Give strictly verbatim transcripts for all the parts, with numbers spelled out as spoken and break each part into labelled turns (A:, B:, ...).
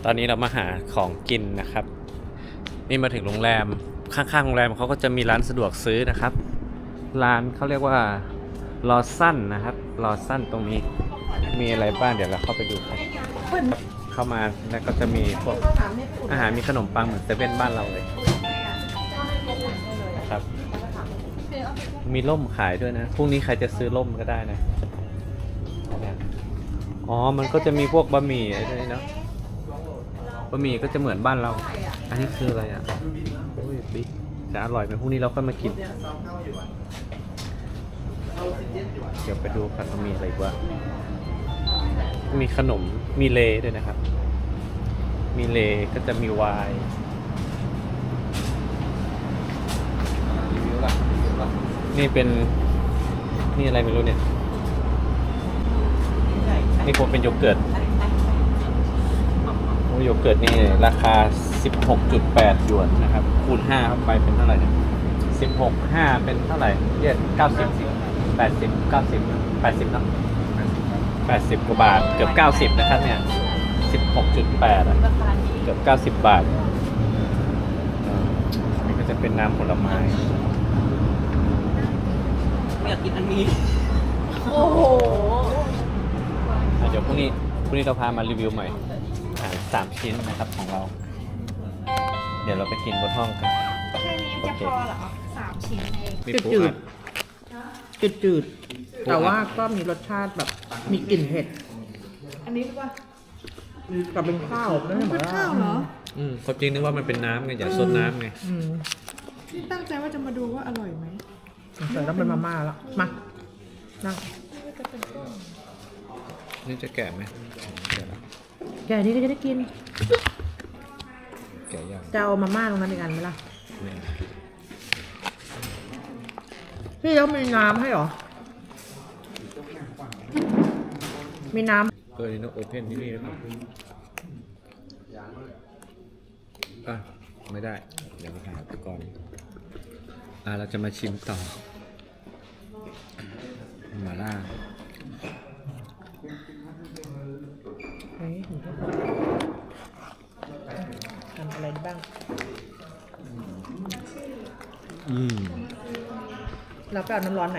A: ตอนนี้เรามาหาของกินนะครับ นี่มาถึงโรงแรมข้างๆโรงแรมเขาก็จะมีร้านสะดวกซื้อนะครับ ร้านเขาเรียกว่าลอสั้นนะครับลอสั้นตรงนี้มีอะไรบ้างเดี๋ยวเราเข้าไปดูกันเข้ามาแล้วก็จะมีพวกอาหารมีขนมปังเหมือนเซเว่นบ้านเราเลยนะครับมีร่มขายด้วยนะพรุ่งนี้ใครจะซื้อร่มก็ได้นะอ๋อมันก็จะมีพวกบะหมี่อะไรด้วยเนาะบะหมี่ก็จะเหมือนบ้านเราอันนี้คืออะไรอ่ะโอ้ยบิ๊กจะอร่อยไหมพรุ่งนี้เราค่อยมากินเดี๋ยวไปดูกันว่ามีอะไรบ้างมีขนมมีเลด้วยนะครับมีเลก็จะมีไวน์นี่เป็นนี่อะไรไม่รู้เนี่ยนี่คงเป็นโยเกิร์ตโอ้โยเกิร์ตนี่ราคา สิบหกจุดแปด หยวนนะครับคูณห้าเข้าไปเป็นเท่าไหร่เนี่ยสิบหก ห้าเป็นเท่าไหร่เรียกเก้าสิบ แปดสิบ เก้าสิบ แปดสิบเนาะแปดสิบกว่าบาทเกือบเก้าสิบนะครับเนี่ย สิบหกจุดแปด อ่ะเกือบเก้าสิบบาทนี่ก็จะเป็นน้ำผลไม้
B: อยากกินอันนี้
C: โอ้โห
A: เดี๋ยวพรุ่งนี้พรุ่งนี้เราพามารีวิวใหม่อาหารสามชิ้นนะครับของเราเดี๋ยวเราไปกินบนห้องกัน
C: แค่นี้จะพอเหรอสามชิ้นเอง
A: มีปูอัด
B: จืดจืดแต่ว่าก็มีรสชาติแบบมีกลิ่นเผ็ด
C: อันนี้ว่า
B: กับเป็นข้าวนั่นเหมือน
C: ข้าวเหรอ
A: อืมความจริงนึกว่ามันเป็นน้ำไงอย่าซดน้ำไง
C: ที่ตั้งใจว่าจะมาดูว่าอร่อยไหม
B: แต่ต้องเป็นมาม่าแล้วมานั่ง
A: นี่จะแกะไหม
B: แกะนี้ก็จะได้กิน
A: แกะยัง
B: จะเอามาม่าตรงนั้นอีกอันไหมล่ะพี่แล้วมีน้ำให้หรอมีน้ำ
A: เออนี่ต้องโอเพนที่นี่นะครับอ่ะไม่ได้เดี๋ยวมาหาไปก่อนอ่ะเราจะมาชิมต่อมาล่า
B: ทำอะไรบ้าง
A: อืม
B: เราไปเอาน้ำร้อนไหน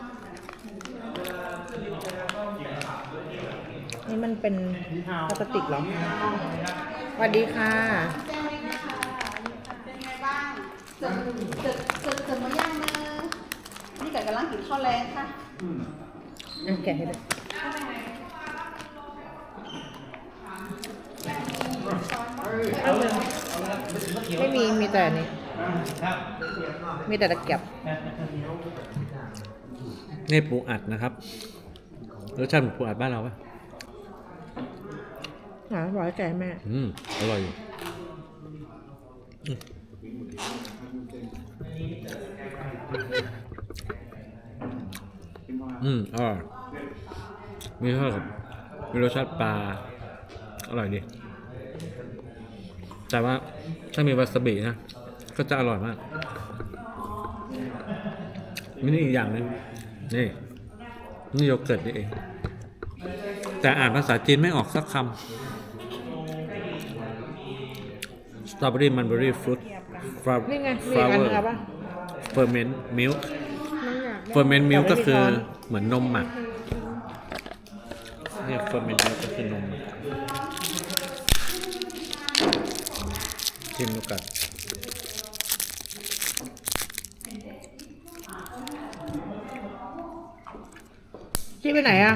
B: นี่มันเป็นพลาสติกเหรอสวัสดีค่ะ
C: เป็นไงบ้างเจอเจอเจอเจอมาย่างนะนี่ไก่กำลังกินข้าวแรงค่ะ
B: อ่ะแกะให้ดูไม่มีมีแต่นี้มีแต่ตะเกียบ
A: นี่ปูอัดนะครับรสชาติเหมือนปูอัดบ้านเราปะ
B: อ่ะร้อยแกแม่
A: อืมอร่อยอยู่อืมอร่อยมีเท่ากับมีรสชาติปลาอร่อยดีแต่ว่าถ้ามีวาซาบินะก็จะอร่อยมากมีนี่อีกอย่างนึงนี่นี่โยเกิร์ตนี่เองแต่อ่านภาษาจีนไม่ออกสักคำสตรอเบอรี่มันเบอรี่ฟรุตฟลาว
B: นี่ไงมีอันนึงป่ะ
A: เฟอร์เมนต์มิลค์เฟอร์เมนต์มิลค์ก็คือเหมือนนมหมักเนี่ยเฟอร์เมนต์มิลค์ก็คือนมหมักชิมดูกัน
B: พี่ไปไหนอ่ะ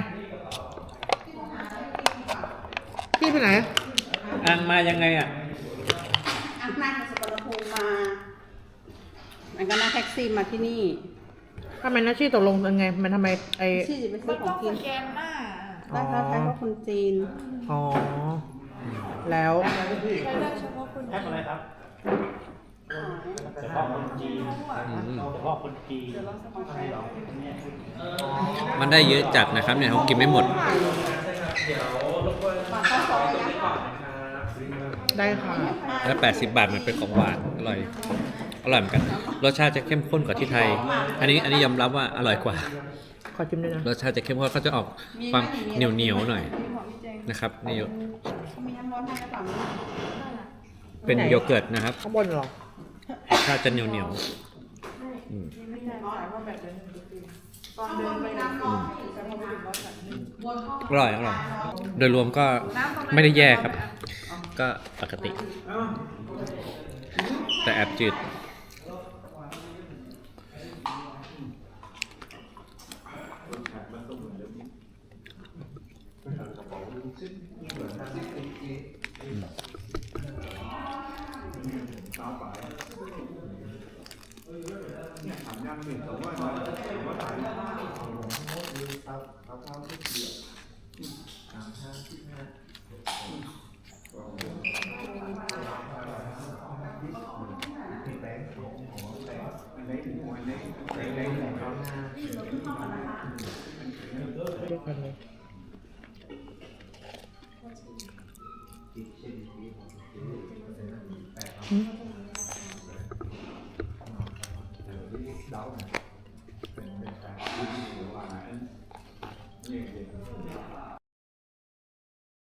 B: พี่ไปไหน
A: อ่างมายังไงอ่ะ
C: อ่ะนั่งจากสุวรรณภูมิมามันก็นั่งแท็กซี่มาที่นี่
B: ทำไมนะชี่ตกลงยังไงมันทำไมไอ้
C: ชี่จะไปซื้อของกินแกนหน้าได้ค่ะใช้เพราะคนจีน
B: อ๋อแล้ว
C: ใช้ได้เฉพาะคนจีนอะไรครับ
D: เฉพาะคนจีนเฉพาะคนจีน
A: มันได้เยอะจัดนะครับเนี่ยเขากินไม่หมด
B: ได้ค่ะ
A: แล้วแปดสิบบาทมันเป็นของหวานอร่อยอร่อยเหมือนกันรสชาติจะเข้มข้นกว่าที่ไทยอันนี้อันนี้ยอมรับว่าอร่อยกว่า
B: ขอชิมด้วยนะ
A: รสชาติจะเข้มข้นเขาจะออกความเหนียวเหนียวหน่อยนะครับนี่
C: มีน้ำร้อนให้กระเป๋านี้
A: เป็นโยเกิร์ตนะครับ
B: ข้างบนเหรอ
A: ถ้าจะเหนียวเหนียวๆอืม
C: ไม่ใช่ร้อนว่าแบบเดินตอนเดินไปน้ำร้อนแต่พอไปถึงรถแบบวนเข้า
A: อร่อยอร่อย โดยรวมก็ไม่ได้แย่ครับ ก็ปกติ แต่แอบจืด
B: เรียกกันเลย
A: อ